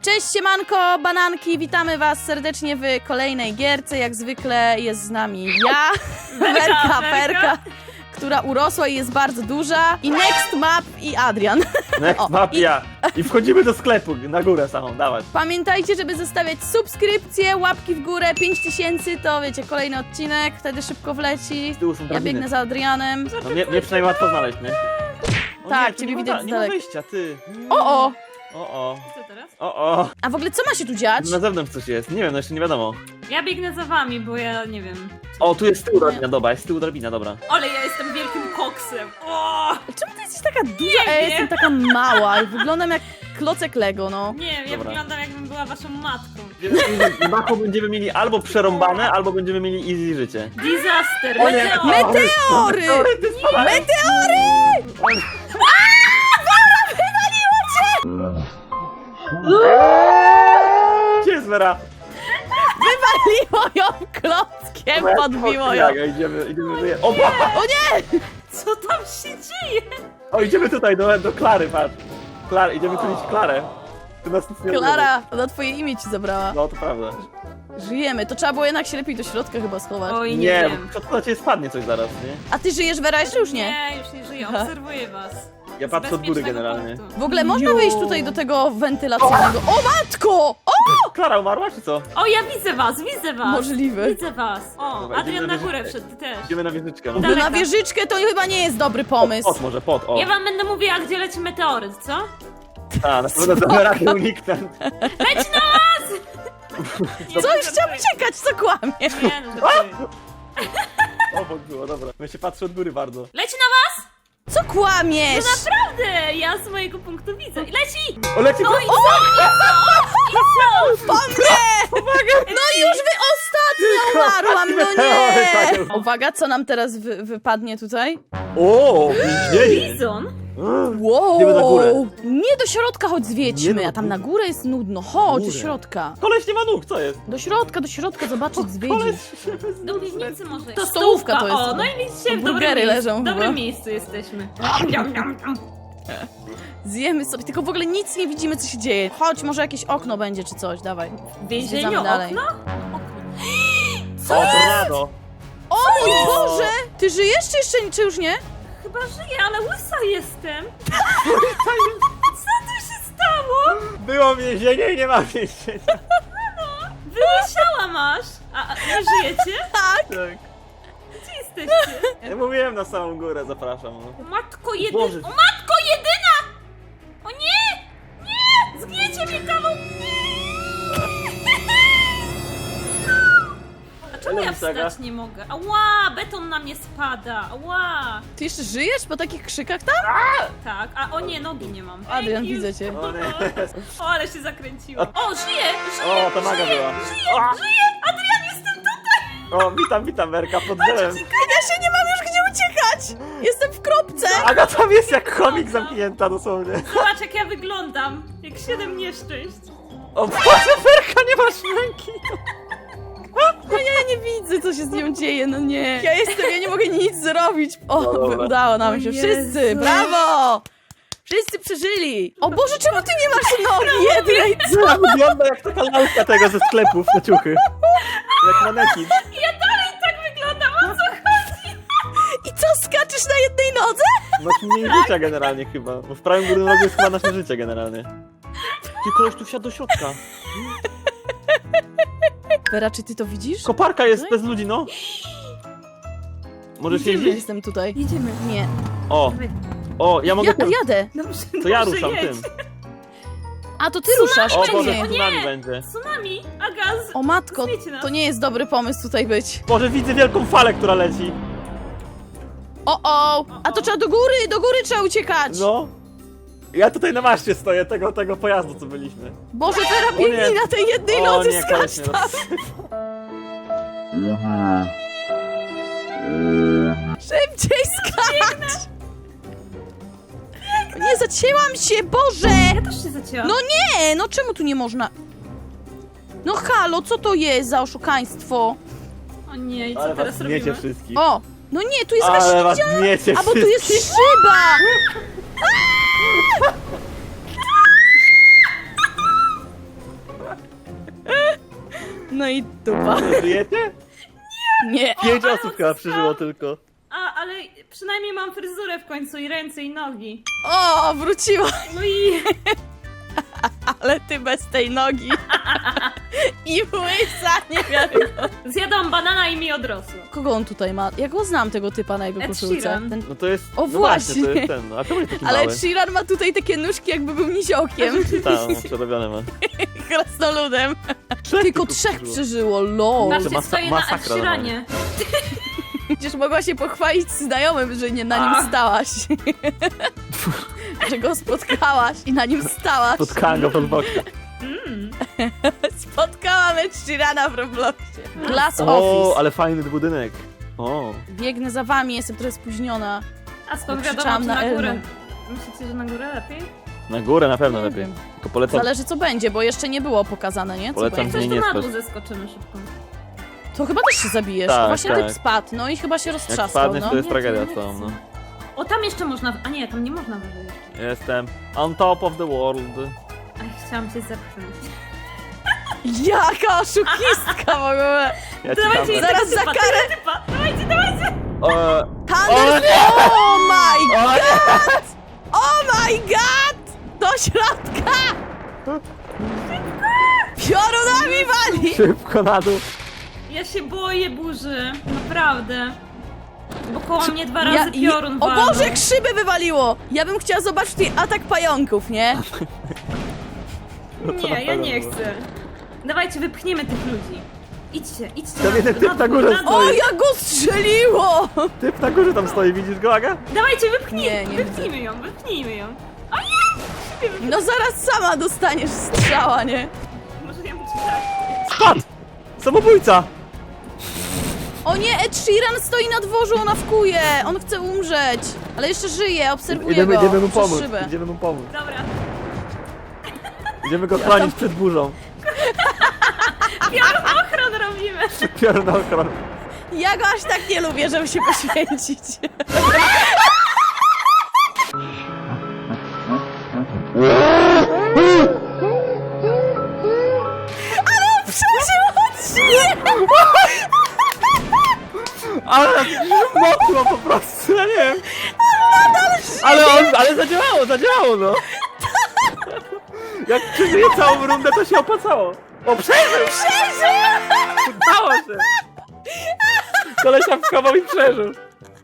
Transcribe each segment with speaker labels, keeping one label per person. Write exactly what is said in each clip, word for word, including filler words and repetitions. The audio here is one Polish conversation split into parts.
Speaker 1: Cześć siemanko, bananki, witamy was serdecznie w kolejnej gierce. Jak zwykle jest z nami ja, Werka, Perka, która urosła i jest bardzo duża. I Next Map i Adrian.
Speaker 2: Next Map i ja. I wchodzimy do sklepu, na górę samą, dawać.
Speaker 1: Pamiętajcie, żeby zostawiać subskrypcje, łapki w górę, pięć tysięcy, to wiecie, kolejny odcinek, wtedy szybko wleci.
Speaker 2: Z tyłu są
Speaker 1: Ja
Speaker 2: drabiny.
Speaker 1: biegnę za Adrianem.
Speaker 2: No mnie, mnie przynajmniej łatwo znaleźć, nie? O
Speaker 1: Tak,
Speaker 2: nie, tu
Speaker 1: ciebie
Speaker 2: nie ma
Speaker 1: widać
Speaker 2: da-
Speaker 1: z
Speaker 2: Nie ma
Speaker 1: daleka.
Speaker 2: wyjścia, ty.
Speaker 1: O, o!
Speaker 2: O, o.
Speaker 3: Co teraz?
Speaker 2: O, o.
Speaker 1: A w ogóle co ma się tu dziać?
Speaker 2: Na zewnątrz coś jest, nie wiem, no jeszcze nie wiadomo.
Speaker 3: Ja biegnę za wami, bo ja nie wiem.
Speaker 2: O, tu jest z tyłu drabina, dobra, jest z tyłu drabina, dobra.
Speaker 3: Ale ja jestem wielkim koksem. O!
Speaker 1: Czemu ty jesteś taka duża, a ja
Speaker 3: wiem.
Speaker 1: jestem taka mała i wyglądam jak klocek Lego, no.
Speaker 3: Nie wiem, ja
Speaker 2: Dobra.
Speaker 3: wyglądam jakbym była waszą matką.
Speaker 2: Na dachu będziemy mieli albo przerąbane, albo będziemy mieli easy życie.
Speaker 3: Disaster,
Speaker 2: O nie.
Speaker 3: meteor!
Speaker 1: Meteory!
Speaker 2: Meteory, ty spadaj!
Speaker 1: Meteory!
Speaker 2: Gdzie jest Vera?
Speaker 1: Wywaliło ją klockiem, podbiło ją.
Speaker 2: Tak, idziemy, idziemy, wyje... O, ba!
Speaker 1: O nie!
Speaker 3: Co tam się dzieje?
Speaker 2: O, idziemy tutaj, do, do Klary, patrz. Klar, idziemy tu iść Klarę. Tu nas nic nie
Speaker 1: Klara, ona twoje imię ci zabrała.
Speaker 2: odbędzie. No, to prawda.
Speaker 1: Żyjemy, to trzeba było jednak się lepiej do środka chyba schować.
Speaker 3: Oj, nie,
Speaker 2: Nie,
Speaker 3: wiem.
Speaker 2: bo to na ciebie spadnie coś zaraz, nie?
Speaker 1: A ty żyjesz, Wera, jeszcze już nie?
Speaker 3: Nie, już nie żyję, obserwuję was.
Speaker 2: Ja
Speaker 3: Z
Speaker 2: patrzę od góry
Speaker 3: bezpiecznego
Speaker 2: generalnie.
Speaker 3: punktu.
Speaker 1: W ogóle można
Speaker 3: Jo.
Speaker 1: wyjść tutaj do tego wentylacyjnego. O matko! O!
Speaker 2: Klara umarła, czy co?
Speaker 3: O, ja widzę was, widzę was.
Speaker 1: Możliwe.
Speaker 3: Widzę was. O,
Speaker 2: Dobra,
Speaker 3: Adrian
Speaker 2: idziemy
Speaker 3: na
Speaker 2: na
Speaker 3: górę
Speaker 2: wieżyczkę.
Speaker 3: wszedł, ty też.
Speaker 2: Idziemy na wieżyczkę. No.
Speaker 1: No
Speaker 3: Daleka.
Speaker 1: na wieżyczkę to chyba nie jest dobry pomysł.
Speaker 2: Pot może, pot, o.
Speaker 3: Ja wam będę mówiła, gdzie leci meteoryt, co?
Speaker 2: A, na pewno damy radę uniknąć.
Speaker 3: Leć na was! Nie,
Speaker 1: Coś
Speaker 3: to
Speaker 1: chciał
Speaker 3: żartuję.
Speaker 1: uciekać, co kłamie?
Speaker 3: Nie, no żartuję.
Speaker 2: Obok było, dobra. Ja się patrzę od góry bardzo.
Speaker 3: Leci na was!
Speaker 1: Co kłamiesz?
Speaker 3: Naprawdę! Ja z mojego punktu widzę. Leci!
Speaker 2: O, leci!
Speaker 3: No i co? I co?
Speaker 1: Po mnie! No już wy ostatnio umarłam, no nie! Uwaga, co nam teraz wy wypadnie tutaj?
Speaker 2: O, więzienie!
Speaker 3: Bizon?
Speaker 1: Wow!
Speaker 2: Idziemy na górę.
Speaker 1: Nie do środka, chodź zwiedźmy,
Speaker 2: Nie, no,
Speaker 1: a tam na górę jest nudno. Chodź do
Speaker 2: górę.
Speaker 1: środka.
Speaker 2: Koleś nie ma nóg, co jest?
Speaker 1: Do środka, do środka, zobaczyć, zwiedzić.
Speaker 3: Do piwnicy może.
Speaker 1: To stołówka to jest.
Speaker 3: O, no i widzicie, w dobrym
Speaker 1: Burgery
Speaker 3: miejscu.
Speaker 1: leżą
Speaker 3: W
Speaker 1: chyba.
Speaker 3: dobrym miejscu jesteśmy.
Speaker 1: Zjemy sobie, tylko w ogóle nic nie widzimy, co się dzieje. Chodź, może jakieś okno będzie, czy coś, dawaj.
Speaker 3: W więzieniu
Speaker 1: Zwiedzamy dalej.
Speaker 3: okno?
Speaker 2: O, tornado!
Speaker 1: O mój Boże! Ty żyjesz, czy jeszcze czy już nie?
Speaker 3: Chyba żyję, ale łysa jestem. Co tu się stało?
Speaker 2: Było więzienie i nie ma więzienia.
Speaker 3: Wyłysiała masz. A, a nie żyjecie?
Speaker 1: Tak.
Speaker 2: Tak.
Speaker 3: Gdzie jesteście?
Speaker 2: Ja mówiłem na samą górę, zapraszam. No.
Speaker 3: Matko jedyna.
Speaker 2: Boże.
Speaker 3: O matko jedyna! O nie! Nie! Zgniecie mnie kawał! A czemu
Speaker 2: Ale
Speaker 3: ja
Speaker 2: wysaga.
Speaker 3: wstać nie mogę? Ała! Beton na mnie spada! Ała!
Speaker 1: Ty jeszcze żyjesz po takich krzykach tam?
Speaker 3: Tak, a o nie, nogi nie mam.
Speaker 1: Adrian,
Speaker 3: Ej,
Speaker 1: widzę cię.
Speaker 2: O nie.
Speaker 3: O, ale się zakręciłam. O, żyję! Żyję!
Speaker 2: O, to maga
Speaker 3: żyję,
Speaker 2: była.
Speaker 3: Żyję! Żyję! Adrian, jestem tutaj!
Speaker 2: O, witam, witam, Werka, pod drzewem.
Speaker 1: Ja się nie mam już gdzie uciekać! Jestem w kropce!
Speaker 2: Aga tam jest jak chomik zamknięta dosłownie.
Speaker 3: Zobacz, jak ja wyglądam. Jak siedem nieszczęść.
Speaker 2: O, Boże, Werka, nie masz ręki.
Speaker 1: No ja nie widzę, co się z nią dzieje, no nie. Ja jestem, ja nie mogę nic zrobić. O,
Speaker 2: No dobra.
Speaker 1: udało nam
Speaker 3: O
Speaker 1: się.
Speaker 3: Jezu.
Speaker 1: Wszyscy, brawo! Wszyscy przeżyli! O Boże, czemu ty nie masz nogi jednej?
Speaker 2: Ona wygląda jak taka lalka tego ze sklepów na ciuchy. Jak manekin.
Speaker 3: Ja dalej tak wyglądam, o co chodzi?
Speaker 1: I co, skaczesz na jednej nodze?
Speaker 2: Masz mniej życia generalnie chyba, bo w prawym górnym rogu jest chyba nasze życie generalnie. Ty koleś tu wsiadł do środka.
Speaker 1: Wera, czy ty to widzisz?
Speaker 2: Koparka jest bez ludzi, no. Możesz
Speaker 1: Jedziemy,
Speaker 2: jeździć?
Speaker 1: jestem tutaj.
Speaker 3: Jedziemy.
Speaker 1: Nie.
Speaker 2: O, o, ja mogę...
Speaker 1: Ja,
Speaker 2: tym-
Speaker 1: jadę.
Speaker 3: Dobrze,
Speaker 2: To ja
Speaker 3: dobrze,
Speaker 2: ruszam
Speaker 3: jedź.
Speaker 2: tym.
Speaker 1: A to ty ruszasz,
Speaker 2: O
Speaker 1: czy
Speaker 2: Boże,
Speaker 1: nie?
Speaker 2: tsunami będzie.
Speaker 3: Tsunami, a gaz.
Speaker 1: O matko,
Speaker 3: Zwiecie nas.
Speaker 1: to nie jest dobry pomysł tutaj być.
Speaker 2: Boże, widzę wielką falę, która leci.
Speaker 1: O, o! A to trzeba do góry, do góry trzeba uciekać!
Speaker 2: No. Ja tutaj na maszcie stoję, tego, tego pojazdu, co byliśmy.
Speaker 1: Boże, Wera,
Speaker 2: O
Speaker 1: biegnij
Speaker 2: nie.
Speaker 1: na tej jednej
Speaker 2: O
Speaker 1: nodze,
Speaker 2: nie,
Speaker 1: skacz
Speaker 2: koleś mnie
Speaker 1: tam! Szybciej skacz! Nie, zacięłam się, Boże!
Speaker 3: Ja też się zacięłam.
Speaker 1: No nie, no czemu tu nie można? No halo, co to jest za oszukaństwo?
Speaker 3: O nie, i co
Speaker 2: Ale was
Speaker 3: teraz
Speaker 2: zgniecie
Speaker 3: robimy?
Speaker 2: wszystkich.
Speaker 1: O, no nie, tu jest jakaś
Speaker 2: Ale was
Speaker 1: ściana!
Speaker 2: zgniecie
Speaker 1: A bo tu jest
Speaker 2: wszystkich.
Speaker 1: szyba! No i dupa.
Speaker 2: Żyjecie?
Speaker 1: Nie.
Speaker 2: Pięć
Speaker 3: ale
Speaker 2: osób chyba
Speaker 3: on
Speaker 2: przeżyło tylko.
Speaker 3: A, ale przynajmniej mam fryzurę w końcu i ręce i nogi.
Speaker 1: O, wróciła.
Speaker 3: No i
Speaker 1: Ale ty bez tej nogi. I łysa, nie wiadomo.
Speaker 3: zjadłam banana i mi odrosło.
Speaker 1: Kogo on tutaj ma? Ja go znam, tego typa na jego
Speaker 3: Ed
Speaker 1: koszulce.
Speaker 3: Sheeran.
Speaker 1: Ten...
Speaker 2: No to jest...
Speaker 1: O,
Speaker 2: no
Speaker 1: właśnie.
Speaker 2: to jest ten, no. A czemu jest taki
Speaker 1: Ale
Speaker 2: mały?
Speaker 1: Sheeran ma tutaj takie nóżki, jakby był niziołkiem.
Speaker 2: Tam, przerobione ma.
Speaker 1: Krasnoludem.
Speaker 2: Trzech
Speaker 1: Tylko
Speaker 2: typów
Speaker 1: trzech
Speaker 2: przeżyło.
Speaker 1: przeżyło, lol.
Speaker 2: To
Speaker 3: Patrzcie,
Speaker 2: masa-
Speaker 3: stoję na
Speaker 2: masakra
Speaker 3: Ed Sheeranie.
Speaker 1: Przecież mogła się pochwalić znajomym, że nie na
Speaker 3: A.
Speaker 1: nim stałaś. Że go spotkałaś i na nim stałaś.
Speaker 2: Spotkałem go pod bokiem.
Speaker 3: Mm.
Speaker 1: Spotkałam Ed Sheerana w Robloxie. Glass
Speaker 2: O,
Speaker 1: Office.
Speaker 2: ale fajny budynek. O.
Speaker 1: Biegnę za wami, jestem trochę spóźniona.
Speaker 3: A skąd
Speaker 1: Bo
Speaker 3: wiadomo,
Speaker 1: krzyczałam
Speaker 3: czy
Speaker 1: na
Speaker 3: na górę?
Speaker 1: Elmę.
Speaker 3: Myślicie, że na górę lepiej?
Speaker 2: Na górę na pewno
Speaker 1: Nie
Speaker 2: lepiej.
Speaker 1: wiem.
Speaker 2: Tylko polecam...
Speaker 1: Zależy co będzie, bo jeszcze nie było pokazane, nie? Co
Speaker 2: Polecam
Speaker 1: będzie.
Speaker 3: Coś
Speaker 2: Nie,
Speaker 3: tu
Speaker 2: nie
Speaker 3: na
Speaker 2: spać.
Speaker 3: dół zeskoczymy szybko.
Speaker 1: To chyba też się zabijesz.
Speaker 2: Tak,
Speaker 1: Właśnie
Speaker 2: tak.
Speaker 1: typ spadł, no i chyba się
Speaker 2: Jak
Speaker 1: roztrzaskał,
Speaker 2: spadniesz,
Speaker 1: no.
Speaker 2: to jest
Speaker 3: Nie,
Speaker 2: tragedia
Speaker 3: to nie
Speaker 2: całą,
Speaker 3: chcę.
Speaker 2: no.
Speaker 3: O, tam jeszcze można... A nie, tam nie można wyżej jeszcze.
Speaker 2: Jestem on top of the world.
Speaker 3: Ach, chciałam cię zepchnąć.
Speaker 1: Jaka oszukistka w ogóle!
Speaker 2: Ja ci
Speaker 3: Dawajcie,
Speaker 2: tam...
Speaker 1: Zaraz
Speaker 3: tego
Speaker 1: za
Speaker 3: typa,
Speaker 1: karę.
Speaker 3: tego typa. Dawajcie, dawajcie!
Speaker 2: O,
Speaker 1: Thunder... Oh my
Speaker 2: o,
Speaker 1: god! Oh my god! Do środka! Piorunami wali!
Speaker 2: szybko na dół.
Speaker 3: Ja się boję burzy. Naprawdę. Bo koło mnie dwa razy
Speaker 1: Ja-
Speaker 3: piorun
Speaker 1: O
Speaker 3: walnął.
Speaker 1: Boże, jak szyby wywaliło! Ja bym chciała zobaczyć tutaj atak pająków, nie?
Speaker 2: No to na
Speaker 3: Nie, ja
Speaker 2: pewno
Speaker 3: nie
Speaker 2: było.
Speaker 3: chcę. Dawajcie, wypchniemy tych ludzi. Idźcie, idźcie.
Speaker 2: Tam jeden typ na górze
Speaker 3: dół,
Speaker 2: stoi.
Speaker 1: O, jak go strzeliło!
Speaker 2: Typ na górze tam stoi, widzisz go, Aga?
Speaker 3: Dawajcie, wypchnijmy,
Speaker 1: Nie, nie
Speaker 3: wypchnijmy ją, wypchnijmy ją.
Speaker 1: No zaraz sama dostaniesz strzała, nie?
Speaker 3: Może ja muszę tak.
Speaker 2: Spadł! Samobójca!
Speaker 1: O nie, Ed Sheeran stoi na dworzu, ona wkuje! On chce umrzeć! Ale jeszcze żyje, obserwuję
Speaker 2: Idziemy,
Speaker 1: go
Speaker 2: idziemy mu
Speaker 1: przez
Speaker 2: pomóc,
Speaker 1: szybę.
Speaker 2: idziemy mu pomóc.
Speaker 3: Dobra.
Speaker 2: Idziemy go chronić przed burzą.
Speaker 3: Piorun ochron robimy.
Speaker 2: Piorun na ochronę.
Speaker 1: Ja go aż tak nie lubię, żeby się poświęcić. Ale on przeżył odcinek!
Speaker 2: Ale mocno po prostu, ja nie wiem. Ale on, ale zadziałało, zadziałało, no. Jak przeżyje całą rundę, to się opłacało. O, przeżył!
Speaker 1: Przeżył!
Speaker 2: Udało się! Kolesia wchował i przeżył.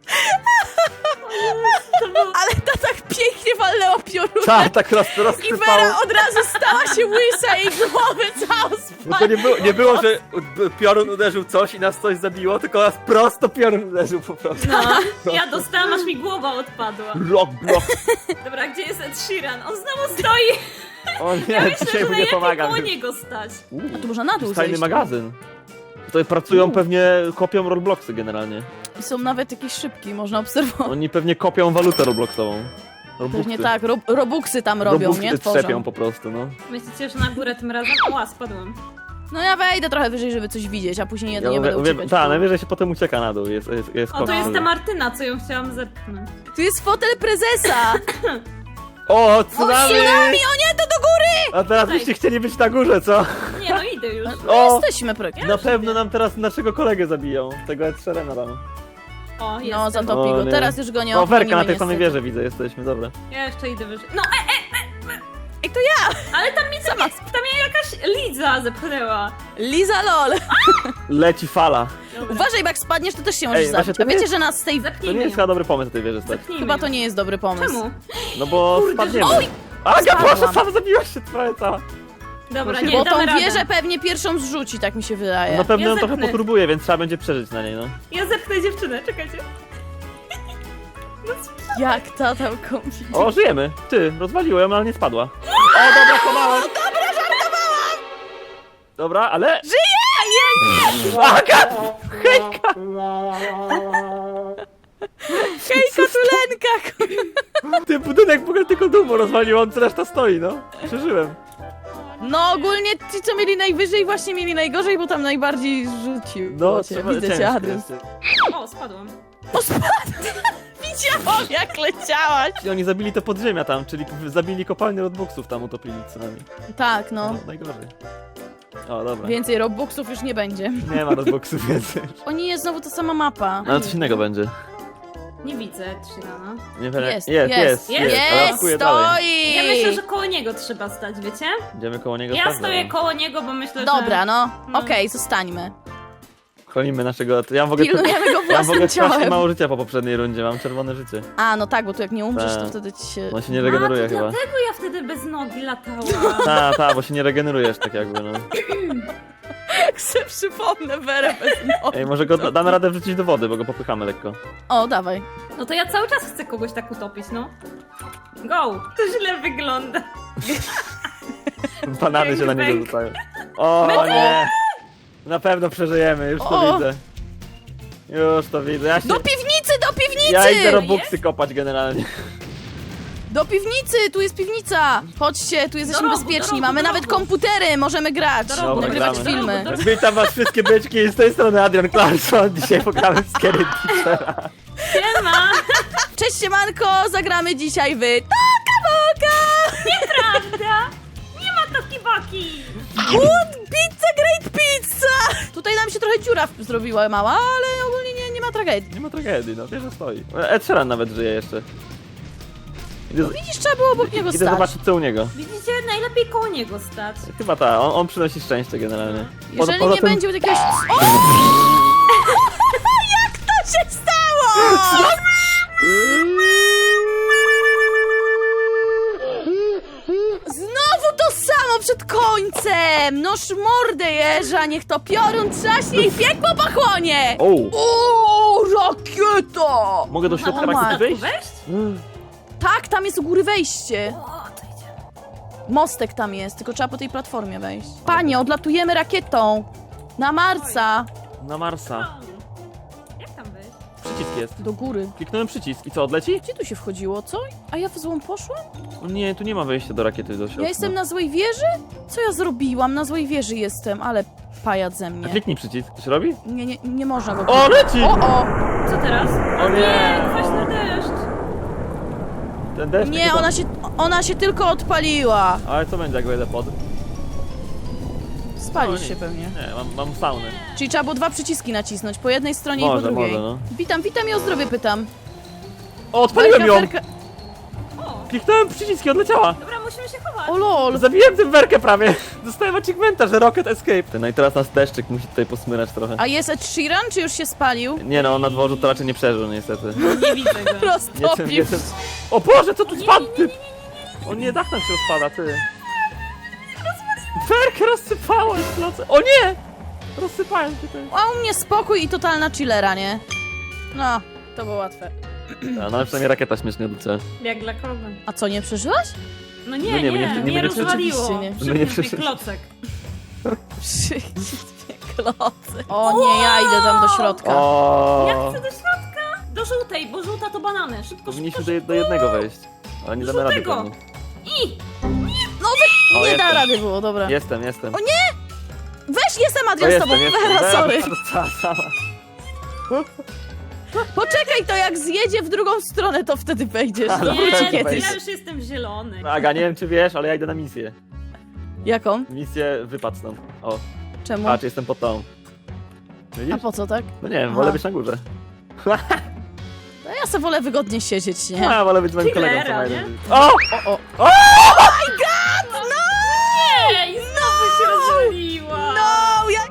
Speaker 3: To był...
Speaker 1: Ale ta tak pięknie walnęła pioruna.
Speaker 2: Tak, tak roz,
Speaker 1: I
Speaker 2: rozsypało.
Speaker 1: Vera od razu stała się łysa, jej głowy całą
Speaker 2: No to nie było, nie było, że piorun uderzył coś i nas coś zabiło, tylko nas prosto piorun uderzył po prostu.
Speaker 3: No, ja dostałam, aż mi głowa odpadła.
Speaker 2: Rock, block.
Speaker 3: Dobra, gdzie jest Ed Sheeran? On znowu stoi.
Speaker 2: O nie,
Speaker 3: Ja myślę,
Speaker 2: dzisiaj
Speaker 3: że
Speaker 2: mu nie
Speaker 3: najlepiej
Speaker 2: pomagam.
Speaker 3: koło niego stać.
Speaker 1: A tu można na dół
Speaker 2: Tajny
Speaker 1: zejść.
Speaker 2: magazyn. Tutaj pracują pewnie, kopią Robloxy generalnie.
Speaker 1: I są nawet jakieś szybki, można obserwować.
Speaker 2: Oni pewnie kopią walutę Robloxową. Robuxy.
Speaker 1: Pewnie tak, ro robuxy tam robią,
Speaker 2: Robuxy
Speaker 1: nie?
Speaker 2: trzepią
Speaker 1: Tworzą.
Speaker 2: po prostu, no.
Speaker 3: Myślicie, że na górę tym razem? Ła, spadłam.
Speaker 1: No ja wejdę trochę wyżej, żeby coś widzieć, a później
Speaker 2: Ja
Speaker 1: jedynie
Speaker 2: mówię,
Speaker 1: będę
Speaker 2: mówię,
Speaker 1: uciekać.
Speaker 2: tak,
Speaker 1: w dół.
Speaker 2: najwyżej się potem ucieka na dół, jest, jest, jest
Speaker 3: O, to
Speaker 2: kop
Speaker 3: jest
Speaker 2: wtedy.
Speaker 3: ta Martyna, co ją chciałam zepchnąć.
Speaker 1: Tu jest fotel prezesa!
Speaker 2: O,
Speaker 1: O,
Speaker 2: tsunami!
Speaker 1: tsunami! O nie, to do góry!
Speaker 2: A teraz
Speaker 3: Tutaj.
Speaker 2: byście chcieli być na górze, co?
Speaker 3: Nie, no idę już.
Speaker 2: O,
Speaker 1: Jesteśmy praktycznie.
Speaker 2: na pewno nam teraz naszego kolegę zabiją, tego Ed Sheerana tam.
Speaker 3: O, jest.
Speaker 1: No, zatopi
Speaker 2: O,
Speaker 1: go.
Speaker 2: nie.
Speaker 1: Teraz już go nie
Speaker 2: O, Werka
Speaker 1: ochronimy
Speaker 2: na tej samej
Speaker 1: niestety.
Speaker 2: wieży widzę, jesteśmy, dobra.
Speaker 3: Ja jeszcze idę wyżej. No, e,
Speaker 1: Ej, to ja!
Speaker 3: ale tam mnie, tam, tam mnie jakaś Liza zepchnęła.
Speaker 1: Liza lol!
Speaker 2: Leci fala.
Speaker 3: Dobra.
Speaker 1: Uważaj, bo jak spadniesz, to też się możesz
Speaker 2: Ej, właśnie
Speaker 1: zabić.
Speaker 2: to
Speaker 1: A
Speaker 2: nie
Speaker 1: wiecie,
Speaker 2: jest-
Speaker 1: że nas z tej...
Speaker 2: To nie
Speaker 3: Zepchnijmy
Speaker 2: jest
Speaker 3: ją.
Speaker 2: chyba dobry pomysł na tej wieży stać.
Speaker 3: Zepchnijmy
Speaker 1: Chyba
Speaker 3: ją.
Speaker 1: to nie jest dobry pomysł.
Speaker 3: Czemu?
Speaker 2: No bo
Speaker 3: Kurde,
Speaker 2: spadniemy.
Speaker 1: Oj!
Speaker 2: Aga,
Speaker 1: Spadłam.
Speaker 2: proszę, sam zabiłaś się prawie cała.
Speaker 3: Dobra,
Speaker 2: Bo
Speaker 3: nie,
Speaker 1: Bo
Speaker 3: damy
Speaker 1: tą
Speaker 3: radę.
Speaker 1: wieżę pewnie pierwszą zrzuci, tak mi się wydaje.
Speaker 2: Na pewno
Speaker 3: Ja
Speaker 2: ją trochę
Speaker 3: zepchnę.
Speaker 2: popróbuję, więc trzeba będzie przeżyć na niej, no.
Speaker 3: Ja zepchnę dziewczynę, czekajcie.
Speaker 1: Jak ta tam kombi.
Speaker 2: O, żyjemy. Ty, rozwaliło ją, ale nie spadła. O, dobra, chowałem.
Speaker 1: Dobra, żartowałam!
Speaker 2: Dobra, ale...
Speaker 1: Żyje!
Speaker 2: Aga! Hejka!
Speaker 1: Hejka, tulenka!
Speaker 2: Ten budynek w ogóle tylko dumą rozwalił, on reszta stoi, no. Przeżyłem.
Speaker 1: No ogólnie ci, co mieli najwyżej, właśnie mieli najgorzej, bo tam najbardziej rzucił.
Speaker 2: No,
Speaker 1: cię.
Speaker 2: trzeba-
Speaker 1: Widzę cię,
Speaker 2: ciężko
Speaker 1: Adrian.
Speaker 2: jest.
Speaker 3: O, spadłam.
Speaker 1: O, spadł! Widziałam, jak leciałaś!
Speaker 2: I oni zabili te podziemia tam, czyli zabili kopalnię Robloxów tam, utopili co nami.
Speaker 1: Tak, no.
Speaker 2: No, najgorzej. O, dobra.
Speaker 1: Więcej Robbuxów już nie będzie.
Speaker 2: Nie ma Robloxów więcej.
Speaker 1: O nie, jest znowu ta sama mapa.
Speaker 2: No ale coś innego będzie.
Speaker 3: Nie widzę Shirana.
Speaker 2: Nie wiem.
Speaker 1: Jest,
Speaker 2: jest,
Speaker 3: jest,
Speaker 2: jest, jest. ale
Speaker 1: Jest,
Speaker 2: odkuję dalej.
Speaker 1: stoi!
Speaker 3: Ja myślę, że koło niego trzeba stać, wiecie?
Speaker 2: Idziemy koło niego.
Speaker 3: Ja
Speaker 2: stać,
Speaker 3: stoję
Speaker 2: dobra.
Speaker 3: koło niego, bo myślę, że...
Speaker 1: Dobra, no.
Speaker 3: No.
Speaker 1: Okej, zostańmy.
Speaker 2: Chronimy naszego... Ja mam w ogóle...
Speaker 1: Pilnujemy go
Speaker 2: Ja mam w ogóle
Speaker 1: własnym
Speaker 2: strasznie
Speaker 1: ciałem.
Speaker 2: mało życia po poprzedniej rundzie, mam czerwone życie.
Speaker 1: A, no tak, bo tu jak nie umrzesz, to
Speaker 2: Tak.
Speaker 1: wtedy ci się...
Speaker 2: On się nie regeneruje
Speaker 3: A, to
Speaker 2: chyba.
Speaker 3: dlatego ja wtedy bez nogi latałam.
Speaker 2: Ta, ta, bo się nie regenerujesz tak jakby, no.
Speaker 1: Jak sobie przypomnę Werę bez nogi.
Speaker 2: Ej, może go da- damy radę wrzucić do wody, bo go popychamy lekko.
Speaker 1: O, dawaj.
Speaker 3: No to ja cały czas chcę kogoś tak utopić, no. Go! To źle wygląda.
Speaker 2: Banany się na niego
Speaker 3: Bang.
Speaker 2: rzucają. O nie! Na pewno przeżyjemy, już to
Speaker 1: O.
Speaker 2: widzę. Już to widzę. Ja, się...
Speaker 1: Do piwnicy, do piwnicy!
Speaker 2: ja idę robuxy kopać generalnie.
Speaker 1: Do piwnicy, tu jest piwnica! Chodźcie, tu jesteśmy
Speaker 3: Do rogu,
Speaker 1: bezpieczni,
Speaker 3: do rogu,
Speaker 1: mamy
Speaker 3: do
Speaker 1: nawet
Speaker 3: rogu.
Speaker 1: komputery, możemy grać,
Speaker 3: Do rogu,
Speaker 2: Dobra,
Speaker 1: nagrywać
Speaker 2: gramy.
Speaker 1: filmy.
Speaker 3: Do rogu,
Speaker 2: Witam was wszystkie byczki, z tej strony Adrian Clarkson. Dzisiaj pogramy w Scary Teachera.
Speaker 3: Siema!
Speaker 1: Cześć siemanko, zagramy dzisiaj w Toka Boka!
Speaker 3: Prawda? Nie ma taki-baki!
Speaker 1: Good pizza, great pizza! Tutaj nam się trochę dziura w- zrobiła mała, ale ogólnie nie, nie ma tragedii.
Speaker 2: Nie ma tragedii, no wiesz, że stoi. Ed Sheeran nawet żyje jeszcze. Idę,
Speaker 1: Widzisz, trzeba było obok niego
Speaker 2: idę
Speaker 1: stać.
Speaker 2: zobaczyć co u niego.
Speaker 3: Widzicie, najlepiej koło niego stać.
Speaker 2: Chyba ta, on, on przynosi szczęście generalnie. Po-
Speaker 1: Jeżeli
Speaker 2: poza
Speaker 1: nie
Speaker 2: tym-
Speaker 1: będzie jakiegoś... O! Jak to się stało? Znowu to samo przed końcem! Noż mordę jeża, niech to piorun trzaśnie i piekło pochłonie!
Speaker 2: O!
Speaker 1: O, rakieta!
Speaker 2: Mogę do środka
Speaker 1: O,
Speaker 2: rakiety
Speaker 1: matko.
Speaker 2: wejść?
Speaker 3: Wejść?
Speaker 1: Tak, tam jest u góry wejście.
Speaker 3: O, to idzie.
Speaker 1: Mostek tam jest, tylko trzeba po tej platformie wejść. Panie, odlatujemy rakietą! Na Marsa!
Speaker 2: Na Marsa.
Speaker 3: O. Jak tam wejść?
Speaker 2: Przycisk jest.
Speaker 1: Do góry.
Speaker 2: Kliknąłem przycisk i co, odleci?
Speaker 1: Gdzie tu się wchodziło, co? A ja w złą poszłam?
Speaker 2: O nie, tu nie ma wejścia do rakiety do środka.
Speaker 1: Ja jestem na złej wieży? Co ja zrobiłam? Na złej wieży jestem, ale pajac ze
Speaker 2: A
Speaker 1: mnie.
Speaker 2: kliknij przycisk, to się robi?
Speaker 1: Nie, nie, nie można go...
Speaker 2: O, leci!
Speaker 1: O, o!
Speaker 3: Co teraz?
Speaker 2: O nie!
Speaker 3: Kwaśny deszcz!
Speaker 2: Ten deszcz
Speaker 1: Nie,
Speaker 2: chyba-
Speaker 1: ona się, ona się tylko odpaliła.
Speaker 2: Ale co będzie, jak wejdę pod?
Speaker 1: Spalisz
Speaker 2: O, nie.
Speaker 1: się pewnie.
Speaker 2: Nie, mam, mam saunę.
Speaker 1: Czyli trzeba było dwa przyciski nacisnąć, po jednej stronie i
Speaker 2: Może,
Speaker 1: po drugiej.
Speaker 2: może, no.
Speaker 1: Witam, witam i o zdrowie pytam.
Speaker 2: O, odpaliłem ją!
Speaker 1: Werka, werka...
Speaker 3: O,
Speaker 2: Kliknąłem przycisk i odleciała!
Speaker 3: dobra, musimy się chować.
Speaker 1: O lol!
Speaker 2: Zabiłem tym werkę prawie! Dostałem achievementa, że Rocket Escape. No i teraz nas deszczyk musi tutaj posmyrać trochę.
Speaker 1: A jest Ed Sheeran, czy już się spalił?
Speaker 2: Nie no, on na dworzu to raczej nie przeżył niestety.
Speaker 3: Nie widzę go.
Speaker 2: Nie tym,
Speaker 1: Roztopił.
Speaker 2: nie tym. O Boże, co tu spadł ty? O nie, dach nam się rozpada, ty. Werkę rozsypałem w nocy. O nie! Rozsypałem się ty.
Speaker 1: A u mnie spokój i totalna chillera, nie? No, to było łatwe.
Speaker 2: A, no ale przynajmniej rakieta śmiesznie odliczy.
Speaker 3: Jak dla kogo?
Speaker 1: A co, nie przeżyłaś?
Speaker 3: No nie,
Speaker 2: No
Speaker 3: nie,
Speaker 2: nie,
Speaker 3: nie,
Speaker 2: my nie- nie
Speaker 3: mnie
Speaker 2: będzie-
Speaker 3: rozwaliło.
Speaker 1: Rzeczywiście nie.
Speaker 2: My nie
Speaker 3: Przypnij
Speaker 2: przeżyliśmy.
Speaker 3: klocek.
Speaker 1: Przyjdźcie klocy. O nie, ja idę tam do środka.
Speaker 2: O.
Speaker 3: Jak chcę do środka? Do żółtej, bo żółta to banany. Szybko, szybko,
Speaker 2: Powinniśmy do,
Speaker 3: szybko.
Speaker 2: do jednego wejść. Ale nie
Speaker 3: Do
Speaker 2: damy rady
Speaker 3: żółtego.
Speaker 2: pewnie.
Speaker 3: I!
Speaker 1: No wy...
Speaker 2: O,
Speaker 1: nie da
Speaker 2: jestem.
Speaker 1: rady było, dobra.
Speaker 2: Jestem, jestem.
Speaker 1: O Weź, jestem
Speaker 2: O,
Speaker 1: Adrian z tobą.
Speaker 2: jestem, jestem.
Speaker 1: Vera, sorry.
Speaker 2: Cała, cała.
Speaker 1: Poczekaj, to jak zjedzie w drugą stronę, to wtedy wejdziesz.
Speaker 2: Ale
Speaker 1: To
Speaker 3: Nie,
Speaker 1: wróci
Speaker 2: wejdę,
Speaker 1: kiedyś.
Speaker 3: ja już jestem zielony.
Speaker 2: No, Aga, nie wiem czy wiesz, ale ja idę na misję.
Speaker 1: Jaką?
Speaker 2: Misję wypad stąd. O,
Speaker 1: Czemu?
Speaker 2: patrz, jestem pod tą.
Speaker 1: A
Speaker 2: Widzisz?
Speaker 1: po co, tak?
Speaker 2: No nie wiem,
Speaker 1: Aha.
Speaker 2: wolę być na górze.
Speaker 1: No ja se wolę wygodnie siedzieć, nie?
Speaker 2: Ja wolę być z moim
Speaker 3: Killera,
Speaker 2: kolegą co
Speaker 3: nie?
Speaker 2: najlepiej. O!
Speaker 1: O, o.
Speaker 2: O!
Speaker 3: Ej, znowu się rozwaliła!
Speaker 1: No, ja...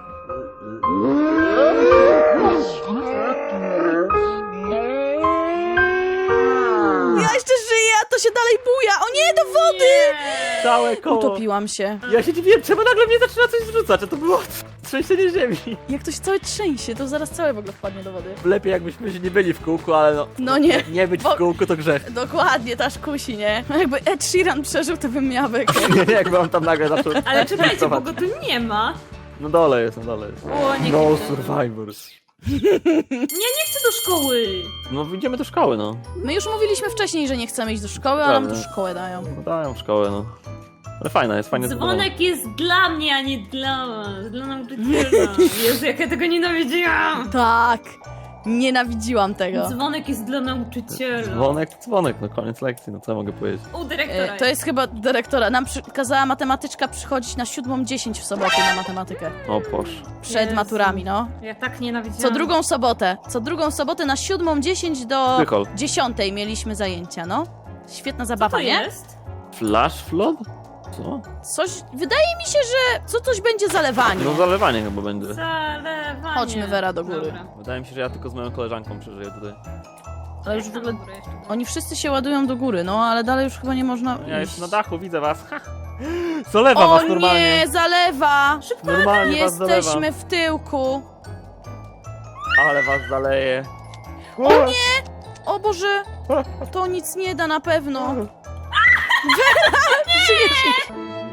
Speaker 1: Ja jeszcze żyję, a to się dalej buja. O nie, do wody!
Speaker 3: Nie.
Speaker 2: Całe koło.
Speaker 1: Utopiłam się.
Speaker 2: Ja się dziwiłem, czemu nagle mnie zaczyna coś zrzucać, a to było trzęsienie ziemi.
Speaker 1: Jak to się całe trzęsie, to zaraz całe w ogóle wpadnie do wody.
Speaker 2: Lepiej jakbyśmy się nie byli w kółku, ale no...
Speaker 1: No nie.
Speaker 2: Nie być
Speaker 1: Bo-
Speaker 2: w kółku to grzech.
Speaker 1: Dokładnie, ta kusi, nie? No jakby Ed Sheeran przeżył, to bym miała bekę.
Speaker 2: Nie, nie, jakby on tam nagle zaczął...
Speaker 3: Ale czekajcie, bo go tu nie ma.
Speaker 2: No dole jest, no dole jest.
Speaker 3: O, nie
Speaker 2: No
Speaker 3: chcę.
Speaker 2: survivors.
Speaker 3: Nie, nie chcę do szkoły.
Speaker 2: No idziemy do szkoły, no.
Speaker 1: My już mówiliśmy wcześniej, że nie chcemy iść do szkoły, a nam tu
Speaker 2: Prawda.
Speaker 1: szkołę dają.
Speaker 2: No dają w szkołę, no. Ale fajna jest, fajnie zbudowana.
Speaker 3: Dzwonek jest dla mnie, a nie dla was. Dla nauczyciela. Jezu, jak ja tego nienawidziłam.
Speaker 1: Tak, Nienawidziłam tego.
Speaker 3: Dzwonek jest dla nauczyciela.
Speaker 2: Dzwonek, dzwonek, no koniec lekcji, no co ja mogę powiedzieć?
Speaker 3: U dyrektora.
Speaker 1: E, to jest chyba dyrektora. Nam przy... kazała matematyczka przychodzić na siódmą dziesięć w sobotę na matematykę.
Speaker 2: O Boże.
Speaker 1: Przed
Speaker 3: Jezu.
Speaker 1: maturami, no.
Speaker 3: Ja tak nienawidziłam.
Speaker 1: Co drugą sobotę. Co drugą sobotę na siódmą dziesięć do
Speaker 2: Trychol.
Speaker 1: dziesiątej mieliśmy zajęcia, no. Świetna
Speaker 3: Co
Speaker 1: zabawa,
Speaker 3: to
Speaker 1: nie?
Speaker 3: jest?
Speaker 2: Flash flood? Co?
Speaker 1: Coś... Wydaje mi się, że co coś będzie zalewanie.
Speaker 2: No zalewanie chyba będzie.
Speaker 3: Zalewanie.
Speaker 1: Chodźmy, Wera, do góry.
Speaker 3: Dobra.
Speaker 2: Wydaje mi się, że ja tylko z moją koleżanką przeżyję tutaj.
Speaker 1: Ale już w
Speaker 3: Tam
Speaker 1: ogóle...
Speaker 3: na górę jeszcze.
Speaker 1: Oni wszyscy się ładują do góry, no, ale dalej już chyba nie można
Speaker 2: Ja
Speaker 1: iść.
Speaker 2: jestem na dachu, widzę was. Ha. Zalewa
Speaker 1: O
Speaker 2: was normalnie.
Speaker 1: nie, zalewa!
Speaker 2: Normalnie was zalewa.
Speaker 1: Jesteśmy w tyłku.
Speaker 2: Ale was zaleje.
Speaker 1: O nie! O Boże! To nic nie da na pewno. Wera! Żyjesz!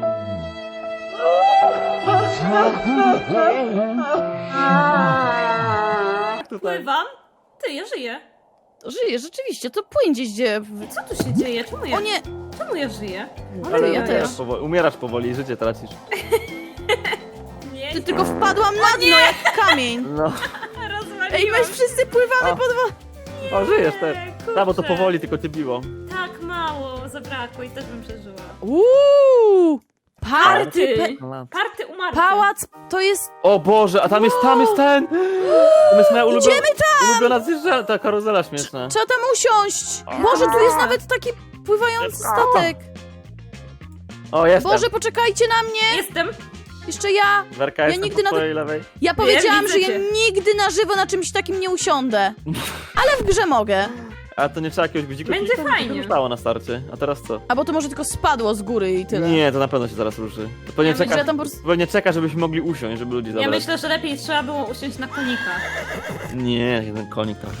Speaker 2: Tutaj.
Speaker 3: Pływam? Ty, ja żyję.
Speaker 1: Żyjesz, rzeczywiście, to płyń gdzieś gdzie...
Speaker 3: Co tu się dzieje? Czemu ja,
Speaker 1: O nie!
Speaker 3: czemu ja żyję?
Speaker 2: Ale
Speaker 1: ja
Speaker 2: umierasz
Speaker 1: też.
Speaker 2: Powoli, umierasz powoli, życie tracisz.
Speaker 3: Nie,
Speaker 1: Ty tylko wpadłam na dno jak kamień.
Speaker 2: No.
Speaker 3: rozwaliłam.
Speaker 1: Ej, my wszyscy pływamy
Speaker 2: O.
Speaker 1: pod wodą.
Speaker 2: O, żyjesz też.
Speaker 3: kurczę.
Speaker 2: A, bo to powoli tylko cię biło.
Speaker 3: Tak mało zabrakło i też bym przeżyła.
Speaker 1: Uuu! Party!
Speaker 3: Party!
Speaker 1: Pe
Speaker 3: Party umarty.
Speaker 1: pałac to jest...
Speaker 2: O Boże, a tam jest, tam jest ten! Tam jest moja ulubiona,
Speaker 1: Idziemy tam!
Speaker 2: ulubiona zjeżdża, ta karuzela śmieszna.
Speaker 1: Trzeba tam usiąść. Boże, tu jest nawet taki pływający statek.
Speaker 2: O, jestem.
Speaker 1: Boże, poczekajcie na mnie.
Speaker 3: Jestem.
Speaker 1: Jeszcze ja.
Speaker 2: Werka,
Speaker 1: ja
Speaker 2: jestem
Speaker 1: nigdy
Speaker 2: po
Speaker 1: na-
Speaker 2: twojej lewej.
Speaker 1: Ja powiedziałam,
Speaker 3: widzę
Speaker 1: że ja
Speaker 3: cię.
Speaker 1: nigdy na żywo na czymś takim nie usiądę. Ale w grze mogę.
Speaker 2: A to nie trzeba jakiegoś guziku?
Speaker 3: Będzie
Speaker 2: Przecież to
Speaker 3: fajnie.
Speaker 2: już stało na starcie. A teraz co?
Speaker 1: A bo to może tylko spadło z góry i tyle.
Speaker 2: Nie, to na pewno się zaraz ruszy. To pewnie,
Speaker 3: Ja myślę,
Speaker 2: czeka,
Speaker 1: że tam po prostu-
Speaker 2: pewnie czeka, żebyśmy mogli usiąść, żeby ludzi
Speaker 3: Ja
Speaker 2: zabrać.
Speaker 3: myślę, że lepiej trzeba było usiąść na konika.
Speaker 2: Nie, jeden konik tam.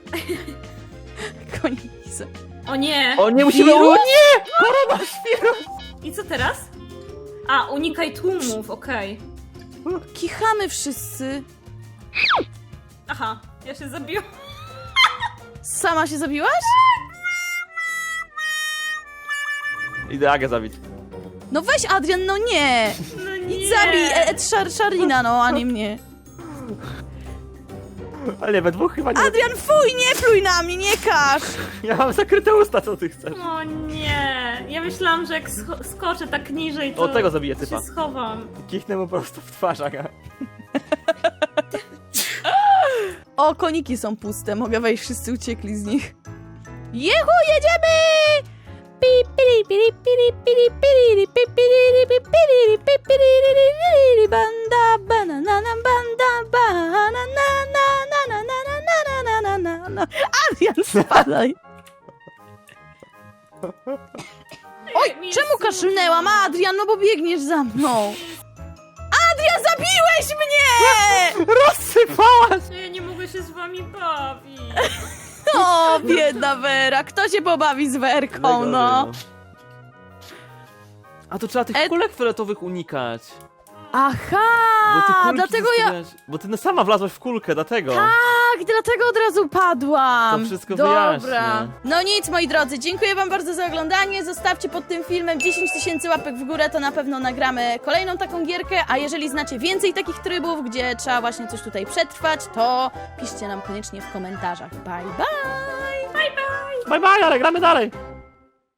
Speaker 1: Koniki.
Speaker 3: O nie!
Speaker 2: O, nie musimy...
Speaker 1: Wirus?
Speaker 2: O nie! Koronawirus!
Speaker 3: I co teraz? A, unikaj tłumów, okej.
Speaker 1: Kichamy wszyscy.
Speaker 3: Aha, ja się zabiłam.
Speaker 1: Sama się zabiłaś?
Speaker 2: Idę Agę zabić.
Speaker 1: No weź Adrian, no nie.
Speaker 3: No nie.
Speaker 1: Idź zabij Ed Szar Szarina, no, a nie mnie.
Speaker 2: Ale nie, we dwóch chyba nie...
Speaker 1: Adrian, fuj, nie pluj na mnie, nie każ.
Speaker 2: Ja mam zakryte usta, co ty chcesz?
Speaker 3: O nie. Ja myślałam, że jak scho- skoczę tak niżej, to
Speaker 2: O, tego zabiję typa.
Speaker 3: się schowam.
Speaker 2: Kichnę mu prosto w twarz, Aga.
Speaker 1: O, koniki są puste, mogę wejść, wszyscy uciekli z nich. Jehu, jedziemy! Pi, piri, piri, piri, piri, piri, pi, piri, pi, piri, pi, piri, ri, ri, ri, banda, banana, banda, banana, na, na, na, na, na, na, na, na, na, na. Adrian, spadaj! Oj,
Speaker 3: Mi
Speaker 1: czemu
Speaker 3: jest
Speaker 1: kaszlnęłam? Adrian, no bo biegniesz za mną. Adrian, zabiłeś mnie!
Speaker 2: Rozsypałaś!
Speaker 3: Ja nie mogę się z wami bawić.
Speaker 1: O, biedna Wera, kto się pobawi z Werką, no?
Speaker 2: A to trzeba tych
Speaker 1: Ed-
Speaker 2: kulek fioletowych unikać.
Speaker 1: Aha,
Speaker 2: Bo ty kulki
Speaker 1: dlatego ja...
Speaker 2: zostawiałaś- Bo ty no sama wlazłaś w kulkę, dlatego.
Speaker 1: Tak, dlatego od razu padłam.
Speaker 2: To wszystko
Speaker 1: Dobra.
Speaker 2: wyjaśnia.
Speaker 1: No nic, moi drodzy, dziękuję wam bardzo za oglądanie. Zostawcie pod tym filmem dziesięć tysięcy łapek w górę, to na pewno nagramy kolejną taką gierkę, a jeżeli znacie więcej takich trybów, gdzie trzeba właśnie coś tutaj przetrwać, to piszcie nam koniecznie w komentarzach. Bye, bye!
Speaker 2: Bye bye, ale gramy dalej.